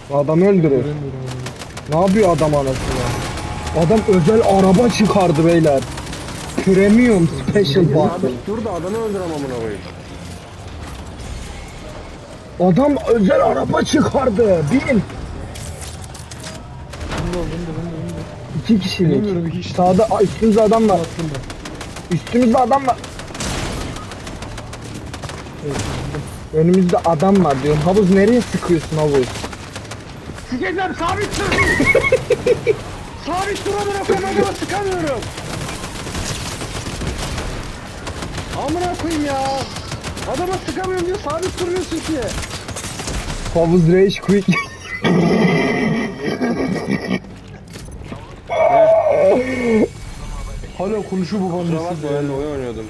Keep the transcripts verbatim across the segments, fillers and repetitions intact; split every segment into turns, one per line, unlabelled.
Adamı öldürüyor.
Göremiyorum onu.
Ne yapıyor adam anasını? Adam özel araba çıkardı beyler. Premium Special
Ya
Button.
abi dur da adamı öldürem amına koyayım.
Adam özel araba çıkardı. Bin.
Ben de ben de ben de ben de.
İki kişilik.
Bilemiyorum hiç.
Sağda aa, üstümüzde adam var.
Attım ben.
Üstümüzde adam var.
Evet.
Önümüzde adam var diyorum. Havuz nereye sıkıyorsun havuz?
Sikeceğim sabit dur. Sabit dur amına koyayım adama sıkamıyorum. Amına koyayım ya. Adama sıkamıyorum diyor sabit duruyorsun ki.
Havuz rage quick.
Hala konuşuyor babam
Kusura bakma
nesiz
ben de
ya.
oyun oynuyordum.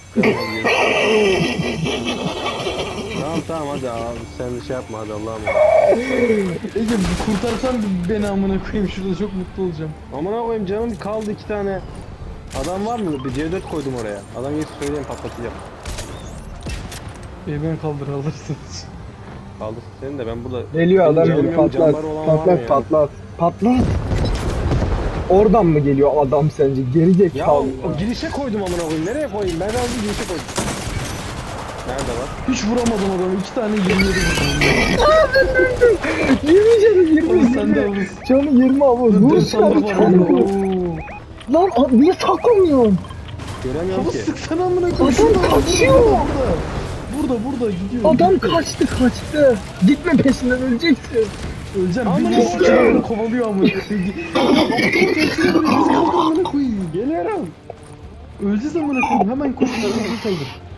Tamam tamam hadi abi sen de şey yapma hadi Allah'ım.
Ege kurtarsan beni amına koyayım şurada çok mutlu olacağım.
Amına koyayım canım kaldı iki tane. Adam var mı? Bir C dört koydum oraya. Adam gelip söyleyeyim patlatacağım.
Bey ben kaldır alırsınız.
Kaldır seni de ben burada.
Geliyor
Benim
adam
canım
geliyor.
yok,
Patlat.
canları olan var mı
Patlat
ya?
patlat. Patlat. Oradan mı geliyor adam sence? Gelecek
Ya
kal.
o, o girişe koydum amına koyayım. Nereye koyayım? Ben aldım girişe koydum. Nerede var?
Hiç vuramadım adamı. İki tane yirmi yedi vurdum.
yirmi canı yirmi.
Oğlum sen de
yirmi.
havuz.
Canı yirmi havuz. Vur
Dur
şunu
sandık var.
çabuk.
Oo.
Lan a- niye saklamıyorsun?
Göremiyorum
Havuz
ki.
sıksana amına koyayım.
Adam
Şurada, burada,
kaçıyor.
Burada, burada, burada gidiyor.
Adam kaçtı kaçtı. Gitme peşinden öleceksin.
Öleceğim.
Amına
Bir
koyayım.
sikeyim kovalıyor amına koyayım. Amına koyayım.
Geliyorum.
Öleceğiz amına koyayım. Hemen koş. Hemen kaldır.